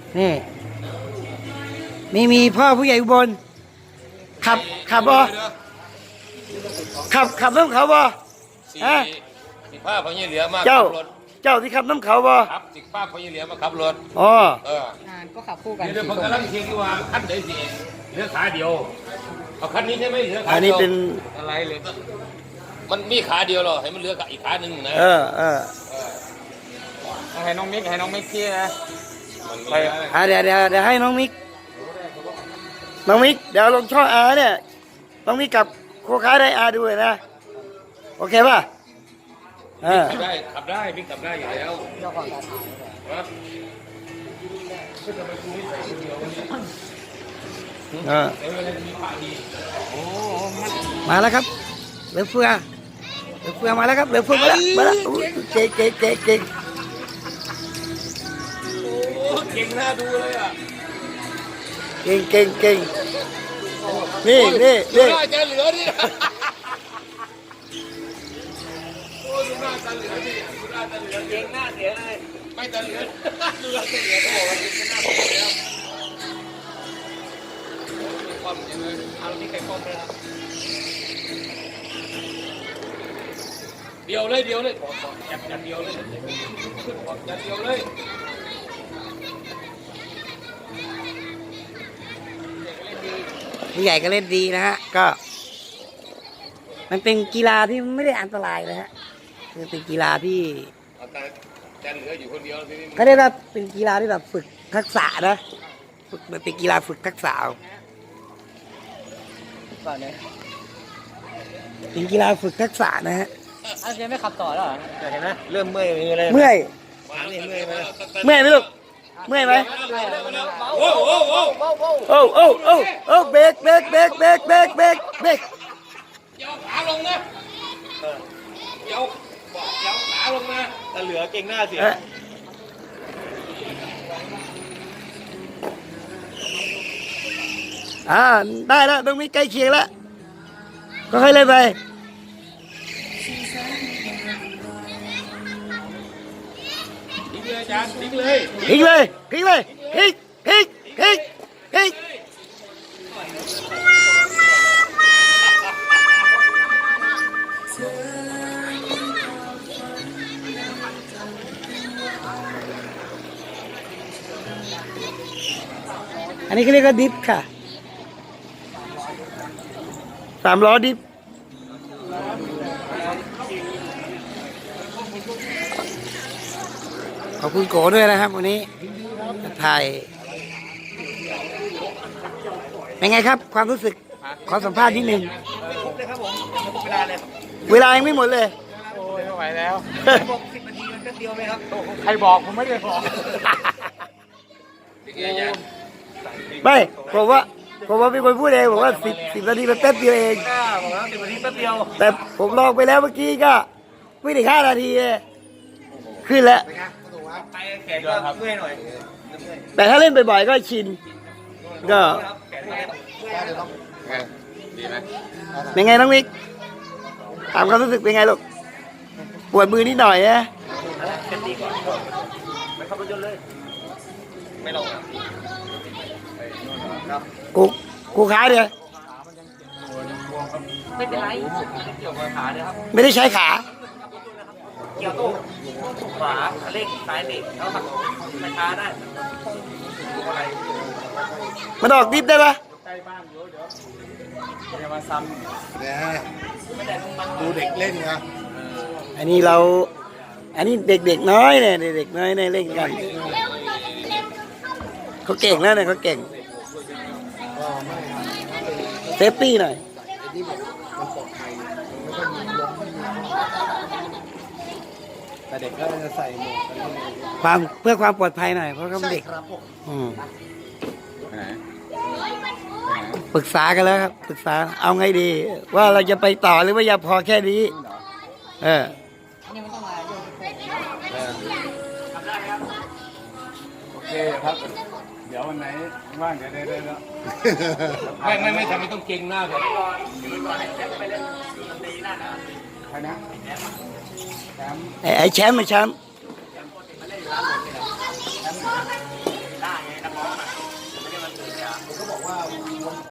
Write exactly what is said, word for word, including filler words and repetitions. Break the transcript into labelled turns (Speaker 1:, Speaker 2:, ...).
Speaker 1: นี่มีมีพ่อผู้ใหญ่อุบลขับขับบ่ขับขับน้ำเขาบ่ฮะ
Speaker 2: สิป้าพญเหลือมา
Speaker 1: เจ้า
Speaker 2: ขับรถ
Speaker 1: เจ้าที่ขับน้ำเขาบ่
Speaker 2: ครับสิป้าพญเหลือมาขับรถ
Speaker 1: อ๋อ
Speaker 2: เออ
Speaker 3: ก็ขับคู่กัน
Speaker 2: เดี๋ยวผมกำลังเช็คดูว่าคันไหนสิเหลือขาเดียวเอาคันนี้ใช่ไหมเหลือขา
Speaker 1: อัน
Speaker 2: เดี
Speaker 1: นี้
Speaker 2: ยว
Speaker 1: เป็น
Speaker 2: อะไรเลยมันมีขาเดียวหรอให้มันเหลืออีกขาหนึ่งนะ
Speaker 1: เออเออ
Speaker 3: ให้น้องมิกให้น้องมิกชี้นะ
Speaker 2: ไป
Speaker 1: อ่ะเดี๋ยวเดี๋ยวเดี๋ยวให้น้องมิกน้องมิกเดี๋ยวลงช่องอาเนี่ยน้องมิกกับโคค้าได้อาดูเลยนะโอเคป่ะเออ
Speaker 2: ขับได้ขับได้มิกขับได้อยู่แล้ว
Speaker 3: เจ้าของการถ่าย
Speaker 1: เออมาแล้วครับเหลือเฟือเหลือเฟือมาแล้วครับเหลือเฟือมาแล้วมาแล้วอุ๊ยเก่งเก่งเก่งเก่ง
Speaker 2: โอ้เก่งน่าดูเลยอ่ะ
Speaker 1: เก่งเก่งเก่งนี่นี่
Speaker 2: ดู
Speaker 1: นี่
Speaker 2: หน้าจะเหลือดิโอ้ดูหน้าจะเหลือดิดูหน้าจะเหลือเก่งหน้าเสียเลยไม่จะเหลือดูหน้าจะเหลือก็บอกว่าเก่งหน้าเสียแล้วความยังไงเอาที่ใครความเลยครับเดียวเลยเดียวเลยขอขอจับจับเดียวเลยขึ้นขอจับเดียวเลย
Speaker 1: ผู้ใหญ่ก็เล่นดีนะฮะก็ มันเป็นกีฬาที่ไม่ได้อันตรายนะฮะคือเป็นกีฬาที่
Speaker 2: แต่จะเหลืออยู่คนเดียวทีนี้
Speaker 1: เขาเรียกว่าเป็นกีฬาที่แบบฝึกทักษะนะฝึกมันเป็นกีฬาฝึกทักษะ
Speaker 3: ก่อนเลย
Speaker 1: เป็นกีฬาฝึกทักษะนะฮะ
Speaker 3: อ้าวเจ๊ไม่ขับต่อแล้วเหรอเห็นไหมเริ่มเมื่อยมือเลย
Speaker 1: เมื่อย
Speaker 2: มาเนี่ยเมื่อยไหม
Speaker 1: เมื่อยไหมลูกเมื่อยไหม
Speaker 2: โอ้โหโอ้โห
Speaker 1: โอ้โอ้โอ้โอ้เบรกเบรกเบรกเบรกเบรกเบรกเบรก
Speaker 2: เดี๋ยวขาลงนะเดี๋ยวเดี๋ยวขาลงนะ
Speaker 3: แต่เหลือเก่งหน้าเสีย
Speaker 1: เอ๊ะอ่าได้แล้วตรงนี้ใกล้เคียงแล้วก็ค่อยเล่นไป
Speaker 2: ทิ้งเลยอาจารย์ทิ้งเลย
Speaker 1: พลิกเลยพลิกเลยพลิกพลิกพลิกพลิกอันนี้เขาเรียกว่าดิฟค่ะสามล้อดิฟขอบคุณโกด้วยนะครับวันนี้ถ่ายเป็นไงครับความรู้สึกขอสัมภาษณ์นิดนึง
Speaker 3: เลยครับผมเวลาเลย
Speaker 1: เวลายังไม่หมดเลย
Speaker 3: โอ้ยไม่ไหวแล้วบอกสิบนาทีมันก็เดียวไหมครับใครบอกผมไม่ได้บอก
Speaker 1: ไม่ผมว่าผมว่าเป็นคนพูดเองบอกว่าสิบสิบนาทีมันแป๊บเดียวเอง
Speaker 3: กล้าบอกแล้วสิบนาทีแป๊บเดียว
Speaker 1: แต่ผมลองไปแล้วเมื่อกี้ก็ไม่ถึงห้านาทีเองขึ้นแล้ว
Speaker 3: ไปแขนก็เมื่อยหน่อย
Speaker 1: แต่ถ้าเล่นบ่อยๆก็ชินก็
Speaker 3: แขนเมื่อย
Speaker 2: ดีไหม
Speaker 1: เป็นไงน้องมิกถามความรู้สึกเป็นไงลูกปวดมือนิดหน่อยนะ
Speaker 3: เป็นดีก่อนไม่ขับรถยนต์เลยไม่ลง
Speaker 1: กูกูขาเดียว
Speaker 3: ไม่เป็นไรเกี่ยวกับขาเลยครับ
Speaker 1: ไม่ได้ใช้ขา
Speaker 3: เกี่ยวตู้ขวาเร่งซ้ายเบรกแล้วขับไม่ช้าได้
Speaker 1: มันออกดิฟได้ปะ
Speaker 3: ใกล้บ้านเดี๋ยวเดี๋ยวจะมาซ้ำ
Speaker 4: เนี่ยดูเด็กเล่นนะ
Speaker 1: อันนี้เรา อันนี้เด็กๆน้อยเนี่ยเด็กๆน้อยเนี่ยเล่นกันเขาเก่งแล้วเนี่ยเขาเก่งเซฟตี้หน่อย
Speaker 4: แต่เด็กก็จะใส่หมวกกัน
Speaker 1: ความเพื่อความปลอดภัยหน่อยเพราะเขาเป็นเด็ก
Speaker 4: ครับผม
Speaker 1: อืมปรึกษากันแล้วครับปรึกษาเอาไงดี ว่าเราจะไปต่อหรือว่าอย่าพอแค่นี้เออ
Speaker 4: โอเคครับ เดี๋ยววันไหนว่างจะได้ได้แล้ว
Speaker 2: ไม่ไม่ไม่ทำไมต้องเก่งหน้าแบบ
Speaker 4: ใครนะแชมป์
Speaker 1: ไอ้ไอ้แชมป์ไอ้แชมป์
Speaker 4: แ
Speaker 2: ผมก็บอกว่า